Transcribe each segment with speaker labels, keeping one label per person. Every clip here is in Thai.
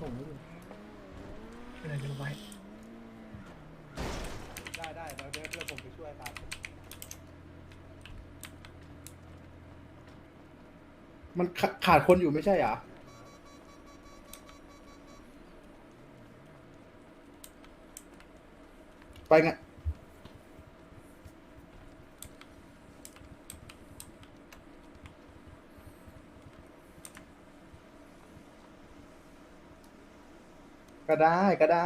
Speaker 1: ส่งให้ดู
Speaker 2: เป็นอะไรกันไว้
Speaker 3: ได้เดี๋ยวผมไปช่วยครับมันขาดคนอยู่ไม่ใช่เหรอไปไงก็ได้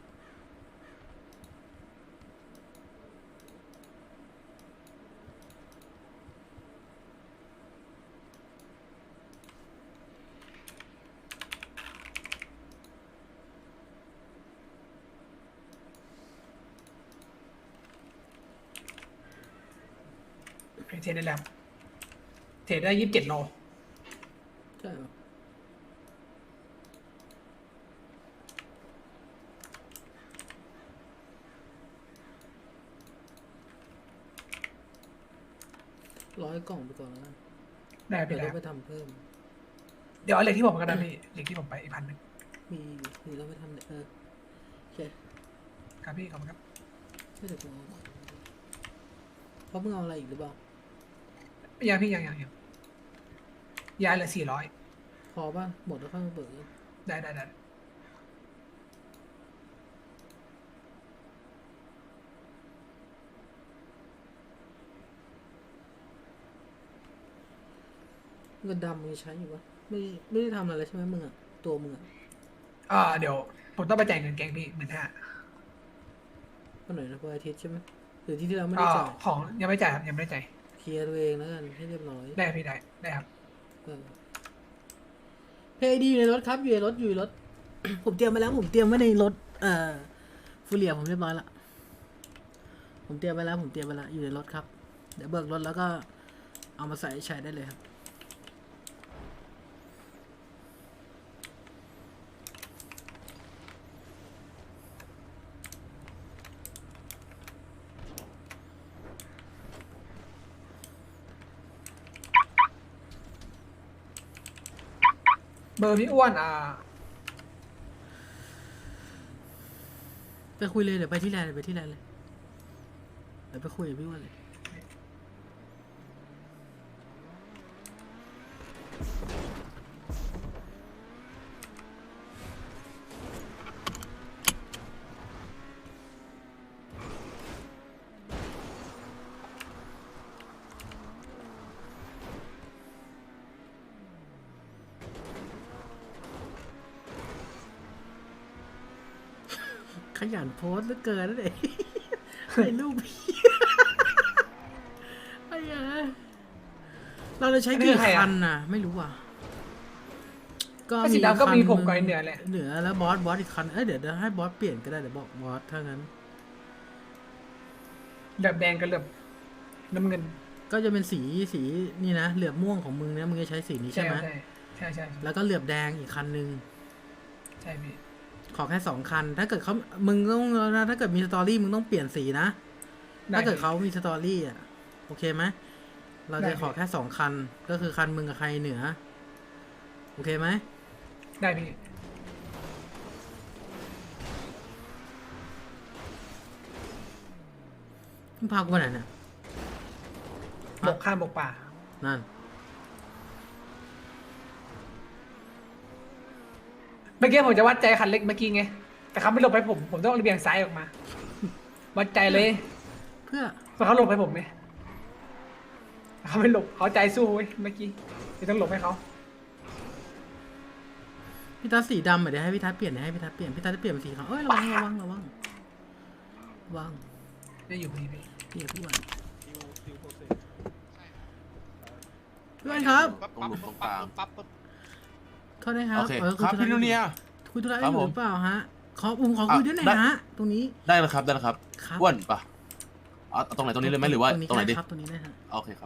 Speaker 2: เทรดได้แล้วเทรดได้27 โล
Speaker 1: ใช่เหรอ100 กล่องไปก่อนแล้วกัน
Speaker 2: ได้
Speaker 1: เดี๋
Speaker 2: พี่
Speaker 1: ยว
Speaker 2: ได้
Speaker 1: เราไปทำเพิ่ม
Speaker 2: เดี๋ยวเอาเหล็กที่ผมก็ได้พี่เหล็กที่ผมไปอีก1,000
Speaker 1: มีเราไปทำเนี่ยโอเค
Speaker 2: ครับพี่ขอบคุณครับ
Speaker 1: ไม่เดี๋ยวกูเอาเพราะมึงเอาอะไรอีกหรือเปล่า
Speaker 2: ยังพี่ยังยายเหลือ400
Speaker 1: พอป่ะหมดแล้วค่อยมาเบิก
Speaker 2: ได้
Speaker 1: เงินดำมึงใช้อยู่ปะไม่ได้ทำอะไรเลยใช่ไหมมึงอะตัวมึงอะ
Speaker 2: เดี๋ยวผมต้องไปจ่ายเงินแกงพี่15,000
Speaker 1: วันไหนนะวันอาทิตย์ใช่ไหมหรือที่เราไม่ได้จ่าย
Speaker 2: ของยังไม่จ่ายครับยังไม่ได้จ่าย
Speaker 1: เคลียร์ตัวเองแล้วกันให้เรียบร้อย
Speaker 2: ได้พี่ได้ครับ
Speaker 1: เพย์ดีอยู่ในรถครับอยู่ในรถ ผมเตรียมมาแล้วผมเตรียมไว้ในรถฟูเรียผมเรียบร้อยละผมเตรียมไปแล้วอยู่ในรถครับเดี๋ยวเบิกรถแล้วก็เอามาใส่ใช้ได้เลยครับ
Speaker 2: เบอร์พี่อ้วน
Speaker 1: ไปคุยเลยเดี๋ยวไปที่แลนด์เลยเดี๋ยวไปคุยกับพี่อ้วันเลยขยันโพสต์เหลือเกินนั่นเองไอ้ลูกพี่ไอ้เหี้ยเราจะใช้กี่คันน่ะไม่รู้อ่ะ ก็
Speaker 2: สีดำก็มีผมกับไอ้เหนือแหละ
Speaker 1: เหนือแล้วบอสอีกคันเดี๋ยวให้บอสเปลี่ยนก็ได้เดี๋ยวบอกบอสถ้างั้น
Speaker 2: เหลือบแดงกับเหลือบน้ำเงิน
Speaker 1: ก็จะเป็นสีนี่นะเหลือบม่วงของมึงเนี่ยมึงจะใช้สีนี้ใช่ไหม
Speaker 2: ใช่
Speaker 1: แล้วก็เหลือบแดงอีกคันนึง
Speaker 2: ใช่พี่
Speaker 1: ขอแค่2 คันถ้าเกิดมึงต้องนะถ้าเกิดมีสตอรี่มึงต้องเปลี่ยนสีนะถ้าเกิดเขามีสตอรี่อ่ะโอเคไหมเราจะขอแค่2 คันก็คือคันมึงกับใครเหนือโอเคไหม
Speaker 2: ได้พี่
Speaker 1: มึงพากูไปไหนเนี่ย
Speaker 2: บกข้ามบกป่า
Speaker 1: นั่น
Speaker 2: เมื่อกี้ผมจะวัดใจคันเล็กเมื่อกี้ไงแต่เขาไม่หลบให้ผมต้องเบี่ยงซ้ายออกมาวัดใจเลย
Speaker 1: เพื่อ
Speaker 2: เพราะเขาหลบให้ผมไงเขาไม่หลบเขาใจสู้เว้ยเมื่อกี้เลยต้องหลบให้เขา
Speaker 1: พี่ทัศน์สีดำเดี๋ยวให้พี่ทัศน์เปลี่ยนพี่ทัศน์จะเปลี่ยนเป็นสีขาวเอ้ยระวัง
Speaker 2: ได้อยู่พี่
Speaker 1: เดี๋ยวพี่วันครับ
Speaker 4: ตรงหลุมตรงกลาง
Speaker 1: โทษนะครับ
Speaker 4: โอเคครับพี่นูเนีย
Speaker 1: คุยธุระอ
Speaker 4: ครับ
Speaker 1: ยู่
Speaker 4: ผม
Speaker 1: หรือเปล่าฮะขอคุยด้วยหน่อย
Speaker 4: ได้
Speaker 1: ฮะตรงนี้
Speaker 4: ได้แล้วครับ
Speaker 1: ครับ
Speaker 4: อ้วนปะเอาตรงไหนตรงนี้เลยไหมหรือว่าตรงไหนดี
Speaker 1: ครับตรงนี้ได้ฮะ
Speaker 4: โอเคครับ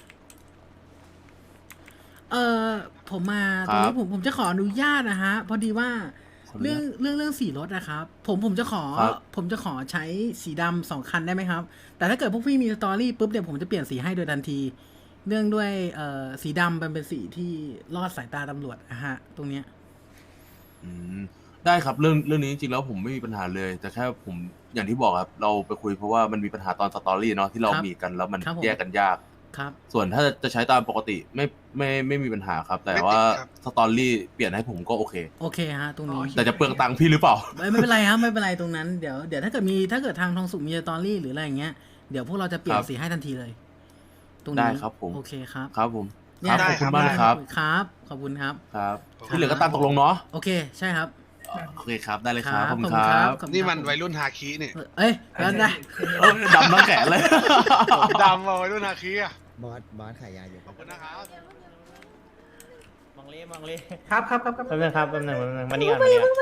Speaker 1: ผมมา
Speaker 4: ค
Speaker 1: ต
Speaker 4: รั
Speaker 1: รง
Speaker 4: บ
Speaker 1: นี้ผมจะขออนุญาตนะฮะพอดีว่า
Speaker 4: ขออนุญาต
Speaker 1: เรื่องสีรถนะครับผมจะขอ
Speaker 4: ครับ
Speaker 1: ใช้สีดำ2 คันได้ไหมครับ แต่ถ้าเกิดพวกพี่มีสตอรี่ปุ๊บเดี๋ยวผมจะเปลี่ยนสีให้โดยทันที เนื่องด้วยสีดำมันเป็นสีที่ลอดสายตาตำรวจนะฮะ ตรงเนี้ย
Speaker 4: อืมได้ครับเรื่องนี้จริงๆแล้วผมไม่มีปัญหาเลย แต่แค่ผมอย่างที่บอกครับเราไปคุยเพราะว่ามันมีปัญหาตอนสตอรี่เนาะที่เรามีกันแล้วมันแยกกันยาก
Speaker 1: ครับ
Speaker 4: ส่วนถ้าจะใช้ตามปกติไม่มีปัญหาครับ แต่ว่าสตอรี่เปลี่ยนให้ผมก็โอเค
Speaker 1: โอเคฮะตรงนี้
Speaker 4: แต่จะเปลืองตังค์พี่หรือเปล่า
Speaker 1: ไม่เป็นไรครับไม่เป็นไรตรงนั้นเดี๋ยวถ้าเกิดทางทองสุกมีสตอรี่หรืออะไรอย่างเงี้ยเดี๋ยวพวกเราจะเปลี่ย
Speaker 4: คน รับ
Speaker 1: สีให้ทันทีเลย ตรงนี้
Speaker 4: ได้ครับผม
Speaker 1: โอเคครับ
Speaker 4: ครับผม
Speaker 1: เนี่
Speaker 4: ค
Speaker 1: ย
Speaker 4: รับขอบคุณมากนะครับ
Speaker 1: ครับขอบคุณครับ
Speaker 4: ครับที่เหลือก็ตามตกลงเนาะ
Speaker 1: โอเคใช่ครับ
Speaker 4: โอเคครับได้เลยครับขอบคุณ
Speaker 1: ข
Speaker 4: ครับ
Speaker 1: ขอบคุณ
Speaker 5: นี่มัน
Speaker 1: ครับ
Speaker 5: วัยรุ่นฮาคินี่
Speaker 1: เอ้ยแล้วนะ
Speaker 4: ดำน้ำแข็งเลย
Speaker 5: ดำมาวัยรุ่นฮาคิอ่ะ
Speaker 6: บอสขายยาอยู่
Speaker 5: ขอบคุณนะครับ
Speaker 7: มองเล่
Speaker 2: ครับครับ
Speaker 7: แป๊บนึงครับแป๊บนึงมานี่ก่อนมานี่ก่อน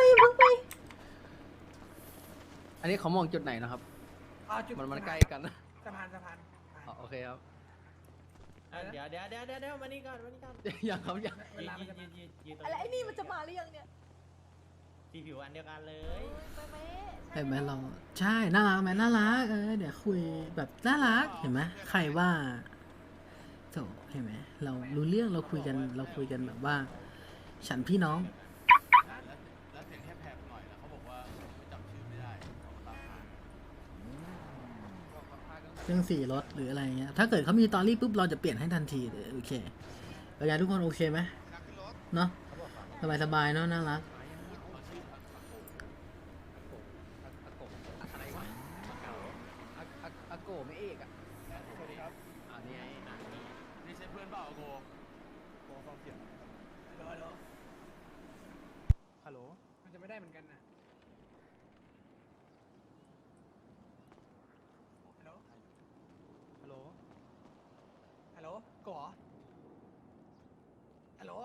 Speaker 8: อันนี้เขามองจุดไหนนะครับ มันใกล้กันนะ
Speaker 2: สะพาน
Speaker 8: โอเคครับ
Speaker 7: เดี๋ยวมานี่ก่อน
Speaker 8: ยังครับยัง
Speaker 7: ยืนตรง
Speaker 9: อะไรไอ้นี่มันจะมาหรือยังเนี่ย
Speaker 7: สีผิวอันเดียวกันเลย
Speaker 9: ไปไหม
Speaker 1: เห็นไหมเราใช่น่ารักไหมน่ารักเดี๋ยวคุยแบบน่ารักเห็นไหมใครว่าโถเห็นไหมเรารู้เรื่องเราคุยกันแบบว่า ฉันพี่น้อง
Speaker 4: แล้วเสียงแค่แผบหน่อยแล้วเขาบอกว่าไม่จำชื่อไม่ได้เขาก็ตามหา
Speaker 1: เรื่องสีรถหรืออะไรเงี้ยถ้าเกิดเขามีตอรี่ปุ๊บเราจะเปลี่ยนให้ทันทีเลยโอเคเป็นไงทุกคนโอเคไหมเนาะสบายๆเนาะน่ารัก
Speaker 8: อาโกไม่เอกอ่ะนี่ไง
Speaker 4: นี่ใช่เพื่อนเปล่าโก
Speaker 2: ฮัลโหลมันจะไม่ได้เหมือนกันนะฮัลโหลก่อฮัลโหล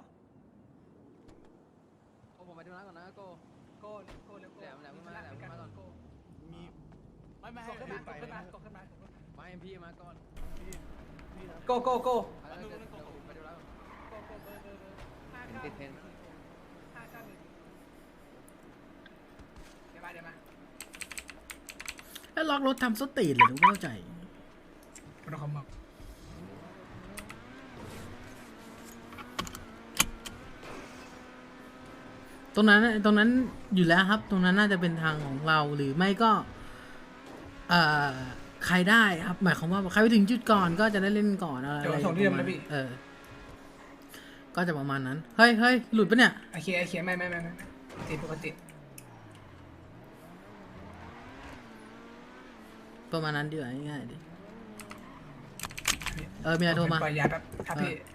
Speaker 8: โอ้ผมไปดูร้านก่อนนะโก
Speaker 2: โก้เร็ว
Speaker 8: แหลมมาก่อน
Speaker 2: โก้
Speaker 4: มีไม่ให้
Speaker 2: ขึ้น
Speaker 4: รี
Speaker 2: มา
Speaker 4: บไปนะ
Speaker 8: มาเอ็มพีมาก่อน
Speaker 2: โก้
Speaker 8: ไปดูร้านติดเทน
Speaker 2: เดี๋ยวมา
Speaker 1: แล้วล็อกรถทำสตีนเลยทุกเข้าใจ
Speaker 2: เราคอมบอก
Speaker 1: ตรงนั้นอยู่แล้วครับ ตรงนั้นน่าจะเป็นทางของเราหรือไม่ก็ใครได้ครับ หมายความว่าใครไปถึงจุดก่อนก็จะได้เล่นก่อนอะไร
Speaker 2: เดี๋ยวส่งที่เดิมนะพี่
Speaker 1: ก็จะประมาณนั้นเฮ้ยหลุดปะเนี่ย
Speaker 2: โอเคไม่ติดปกติ
Speaker 1: ประมาณนั้นดีกว่าง่ายๆดิมีอะไรโทรมา
Speaker 2: ปล่อยยาแป๊บครับพี่